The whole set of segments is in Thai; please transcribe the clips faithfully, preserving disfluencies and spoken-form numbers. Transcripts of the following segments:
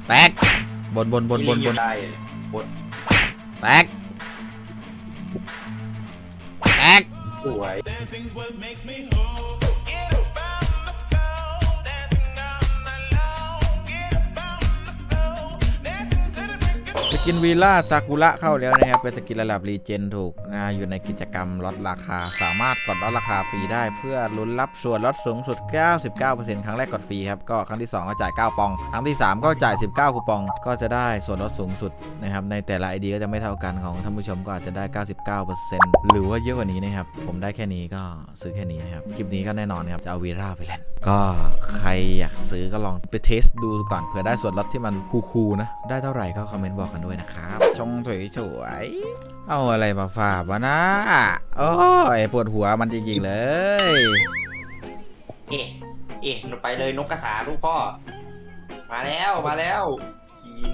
แตกบนบนบนบนบนได้บนแตกแตกสวยสกินวีล่าซากุระเข้าแล้วนะครับเป็นสกินระดับรีเจนถูกนะอยู่ในกิจกรรมลดราคาสามารถกดลดราคาฟรีได้เพื่อลุ้นรับส่วนลดสูงสุด เก้าสิบเก้าเปอร์เซ็นต์ ครั้งแรกกดฟรีครับก็ครั้งที่สองก็จ่ายเก้าปองครั้งที่สามก็จ่ายสิบเก้าคูปองก็จะได้ส่วนลดสูงสุดนะครับในแต่ละ ไอ ดี ก็จะไม่เท่ากันของท่านผู้ชมก็อาจจะได้ เก้าสิบเก้าเปอร์เซ็นต์ หรือว่าเยอะกว่านี้นะครับผมได้แค่นี้ก็ซื้อแค่นี้นะครับคลิปนี้ก็แน่นอนครับจะเอาวีล่าไปเล่นก็ใครอยากซื้อก็ลองไปเทสดูก่อนเผื่อได้ส่วนลดที่มันคูลๆนะได้เท่าไหร่ก็คอมเมนต์บอกกันด้วยนะครับชงสวยๆเอาอะไรมาฝากวะนะโอ้ยปวดหัวมันจริงๆเลยเอ๊ะเอ๊ะไปเลยนกกระสาลูกพ่อมาแล้วมาแล้วขีน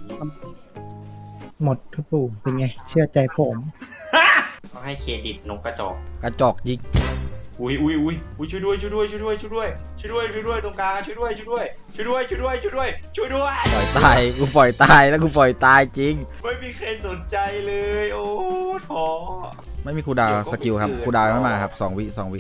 หมดทุกปู่เป็นไงเชื่อใจผมต้องให้เครดิตนกกระจอกกระจอกยิงอุ้ยอุ้ยอุ้ยอุ้ยช่วยด้วยช่วยด้วยช่วยด้วยช่วยด้วยช่วยด้วยช่วยด้วยตรงกลางช่วยด้วยช่วยด้วยช่วยด้วยช่วยด้วยช่วยด้วยช่วยด้วยปล่อยตายกูปล่อยตายแล้วกูปล่อยตายจริงไม่มีใครสนใจเลยโอ้ท้อไม่มีครูดาวสกิลครับครูดาวไม่มาครับสองวิสองวิ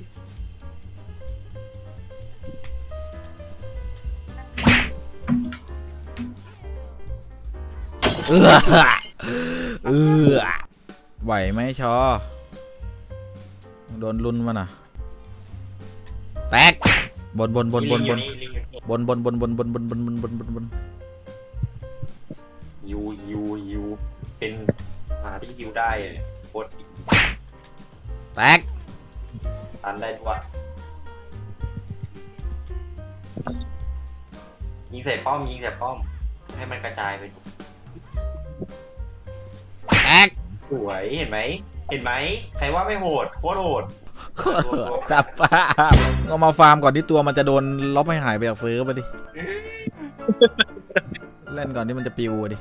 เออเออไหวไหมชอโดนลุนมาน่ะแตกบนบนบนบนบนบนบนบนบนบนบนบนบนบนบนบนบนยูยูยูเป็นหาที่ยูได้โคตรแตกตันได้ด้วยยิงใส่ป้อมยิงใส่ป้อมให้มันกระจายไปแตกสวยเห็นไหมเห็นไหมใครว่าไม่โหดโคตรโหดสับป้าเอามาฟาร์มก่อนที่ตัวมันจะโดนล็อกให้หายไปจากเฟิร์สไปดิเล่นก่อนที่มันจะปิวดิ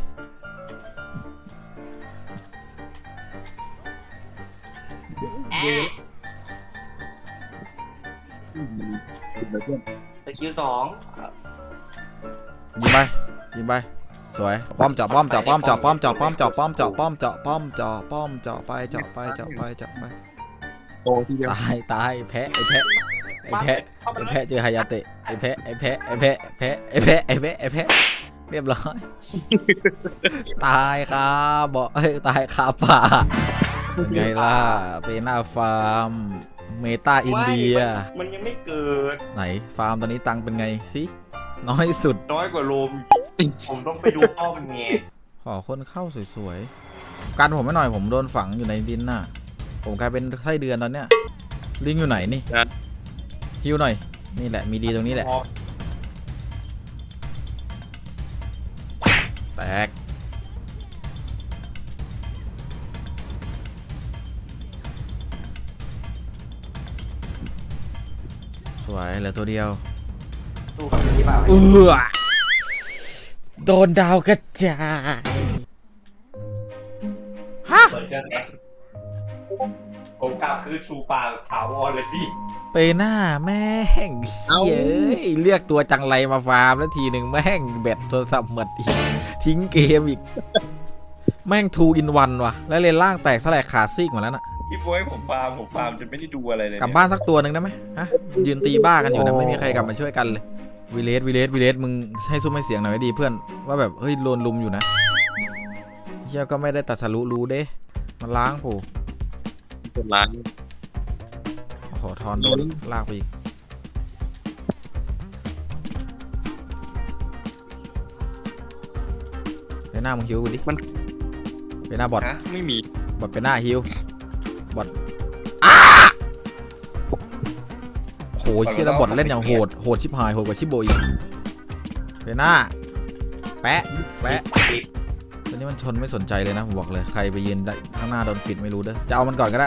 สกิลสองยิงไปยิงไปสวยป้อมเจาะป้อมเจาะป้อมเจาะป้อมเจาะป้อมเจาะป้อมเจาะป้อมเจาะป้อมเจาะป้อมเจาะไปเจาะไปเจาะไปเจาะไปโตทีเดียวตายตายแพะไอ้แพะไอ้แพะไอ้แพะเจอฮายาเตะไอ้แพะไอ้แพะไอ้แพะแพะไอ้แพะไอ้แพะไอ้แพะเรียบร้อยตายครับบอกเฮ้ยตายคาป่าไงล่ะเปน่าฟาร์มเมตาอินเดียมันยังไม่เกิดไหนฟาร์มตอนนี้ตังเป็นไงสิน้อยสุดน้อยกว่าโลมผมต้องไปดูป้อมไงขอคนเข้าสวยๆกันผมไม่หน่อยผมโดนฝังอยู่ในดินน่ะผมกลายเป็นไส้เดือนตอนเนี้ยลิงอยู่ไหนนี่ฮิวหน่อยนี่แหละมีดีตรงนี้แหละแตกสวยเหลือตัวเดียวตู้กับที่เปล่าเออโดนดาวกระจายฮะผมกล่าวคือชูปากถาวรเลยพี่ไปหน้าแม่งเย้ยเรียกตัวจังไรมาฟาร์มแล้วทีหนึ่งแม่งแบตโทรศัพท์หมดอีกทิ้งเกมอีกแม่งทูอินวันว่ะแล้วเลนล่างแตกสลายขาซีกหมดแล้วน่ะพี่บอยผมฟาร์มผมฟาร์มจนไม่ได้ดูอะไรเลยกลับบ้านสักตัวหนึ่งได้ไหมฮะยืนตีบ้ากันอยู่นะไม่มีใครกลับมาช่วยกันเลยวิเลสวิเลสวิเลสมึงให้ซุ้มให้เสียงหน่อยดีเพื่อนว่าแบบเฮ้ยโดนลุมอยู่นะเฮียก็ไม่ได้ตัดสรุรู้เด้มันล้างผูเป็นล้างโอ้โหทอนโดนลากไปอีกไปหน้ามึงฮิวกูดิมันไปหน้าบอทไม่มีบอทไปหน้าฮิวบอทโหเชี่ยแล้วบอทเล่นอย่างโหดโหดชิบหายโหดกว่าชิบโบอีกไปหน้าแปะแปะตอนนี้มันชนไม่สนใจเลยนะผมบอกเลยใครไปยืนข้างหน้าโดนปิดไม่รู้เด้อจะเอามันก่อนก็ได้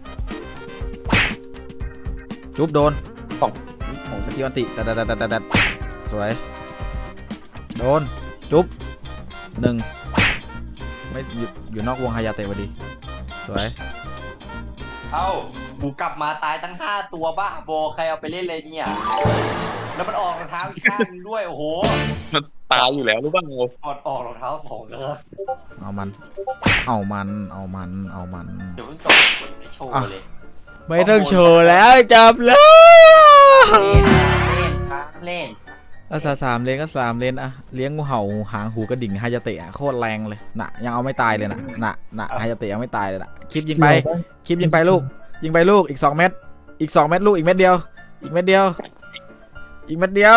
จุ๊บโดนสองของสกิลอันติแต่แต่แต่แต่แต่สวยโดนจุ๊บหนึ่งไม่อยู่นอกวงฮายาเตะพอดีสวยเอ้ากูกลับมาตายตั้งห้าตัวบ้าโบใครเอาไปเล่นเลยเนี่ยแล้วมันออกรองเท้าอีกข้างนึงด้วยโอ้โหมันตายอยู่แล้วรู้ป่ะโง่ออกออกรองเท้าสองเลยเอามัน เอามัน เอามัน เอามันเดี๋ยวเพิ่งจบไม่โชว์เลยไม่ต้องโชว์แล้วจับแล้วเล่นเล่นครับเล่นภาษาสามเลนก็สามเลนอะเลี้ยงงูเห่าหางหูกระดิ่งไฮยาเตะอะโคตรแรงเลยน่ะยังเอาไม่ตายเลยน่ะน่ะน่ะไฮยาเตะยังไม่ตายเลยน่ะคลิปยิงไปคลิปยิงไปลูก ยิงไปลูกอีกสองเม็ดอีกสองเม็ดลูกอีกเม็ดเดียว อีกเม็ดเดียว อีกเม็ดเดียว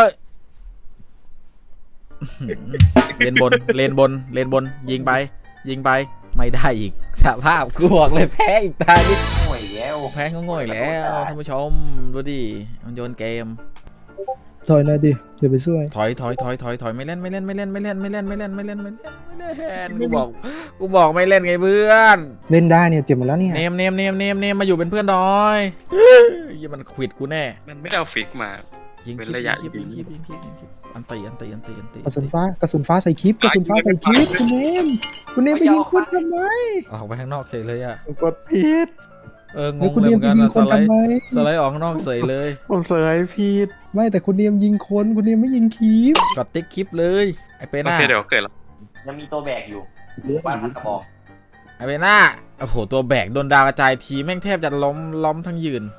เลนบนเลนบนเลนบนยิงไป ยิงไปไม่ได้อีกสภาพกูบอกเลยแพ้อีกตาดิห่วยแล้วแพ้ก็ง่อยแล้วท่านผู้ชมดูดิมันโยนเกมถอยหน่อยดิเดี๋ยวไปช่วยถอยถอยถอยถอยถอยไม่เล่นไม่เล่นไม่เล่นไม่เล่นไม่เล่นไม่เล่นไม่เล่นไม่เล่นไม่เล่นกูบอกกูบอกไม่เล่นไงเพื่อนเล่นได้เนี่ยเจ็บหมดแล้วเนี่ยเนมเนมเนมเนมเนมมาอยู่เป็นเพื่อนหน่อยยี่มันขวิดกูแน่มันไม่ได้เอาฟิกมายิงเป็นคลิประยะยิงคลิปยิยิงงคลิปยิงคลิปยิงคลิปอันตีอันตีอันตีอันตีกระสุนฟ้ากระสุนฟ้าใส่คลิปกระสุนฟ้าใส่คลิปคุณเนมคุณเนมไปยิงคนทำไมออกไปข้างนอกเฉยเลยอะกดผิดเอองแล้วงคุณเลยเนเหมมือนไปกันยิงนะคสนไลทำด์ไมสไลด์ออกข้างนอกเฉยเลยผมเสยผิดไม่แต่คุณเนมยิงคนคุณเนมไม่ยิงคลิปกดติ๊กคลิปเลยไอเปโอน่าเคเดี๋ยวเกิดแล้วยังมีตัวแบกอยู่บ้านพักกระบอกไอเปน่าโอ้โหตัวแบกโดนดาวกระจายทีแม่งแทบจะล้มล้มทั้งยืน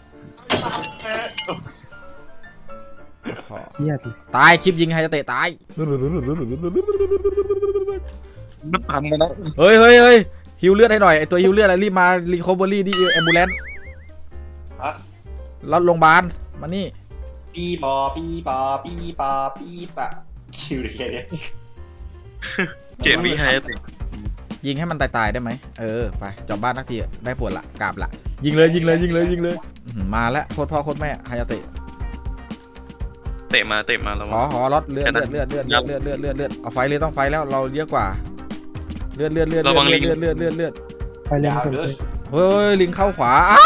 เครียดเลยตายคลิปยิงใครจะเตะตายมันทำมาแล้วเฮ้ยเฮ้ยเฮ้ยฮิวเลือดให้หน่อยไอตัวฮิวเลือดอะไรรีบมารีคอเวอรี่ดิแอมบูเลนฮะรถโรงพยาบาลมานี่ปีปอปีปอปีปอปีปะคิวเลยแค่เนี้ยเจ็ดวิให้ติยิงให้มันตายๆได้ไหมเออไปจอบบ้านทักทีได้ผลละกราบละยิงเลยยิงเลยยิงเลยยิงเลยอื้อหือมาแล้วโคตรพ่อโคตรแม่ฮายาเตะเตะมาเตะมาแล้วหอหอรถเลือดเลือดเลือดเลือดเลือดเลือดเลือดเลือดเลือดเอาไฟเลยต้องไฟแล้วเราเยอะกว่าเลือดเลือดเลือดเลือดเลือดเลือดเลือดเลือดไปเล่นยาวกันเด้เลอยเฮ้ยลิงเข้าขวาอ้า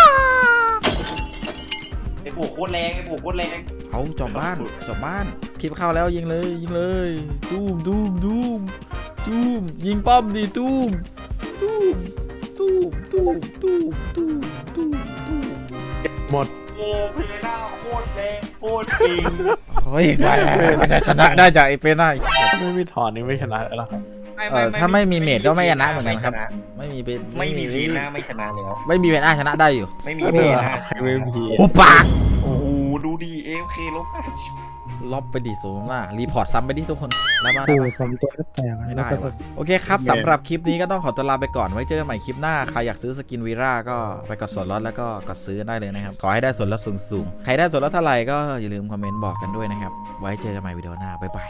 ไอ้ปลูกโคตรแรงไอ้ปลูกโคตรแรงเอาจอบบ้านจอบบ้านคลิปเข้าแล้วยิงเลยยิงเลยตูมตูมตูมตูมยิงป้อมดิตูมตูมตูมตูมตูมตูมตูมตูมหมดโอ้เพลน่าโคตรแรงโคตรจริงเฮ้ยไปจะชนะได้จากไอเป็นได้ไม่มีถอนนี่ไม่ชนะแล้วครับเออถ้าไม่มีเมจก็ไม่ชนะเหมือนกันครับ ไม่มีเป็นไม่มีเพลน่าไม่ชนะแล้วไม่มีเป็นอาชนะได้อยู่ไม่มีก็เพลเดินน่าใครไม่พีโอ้ปากโอ้โหดูดีเอฟเคลบห้าสิบล็อบไปดิสูงมากรีพอร์ตซ้ำไปดิทุกคนได้บ้างโอ้ได้ยผมตัวแตกไม่แล้วได้ก็จะวะโอเคครับสำหรับคลิปนี้ก็ต้องขอตัวลาไปก่อนไว้เจอกันใหม่คลิปหน้าใครอยากซื้อสกินวีร่าก็ไปกดส่วนลดแล้วก็กดซื้อได้เลยนะครับขอให้ได้ส่วนลดสูงๆใครได้ส่วนลดเท่าไหร่ก็อย่าลืมคอมเมนต์บอกกันด้วยนะครับไว้เจอกันใหม่วิดีโอหน้าบ๊ายบาย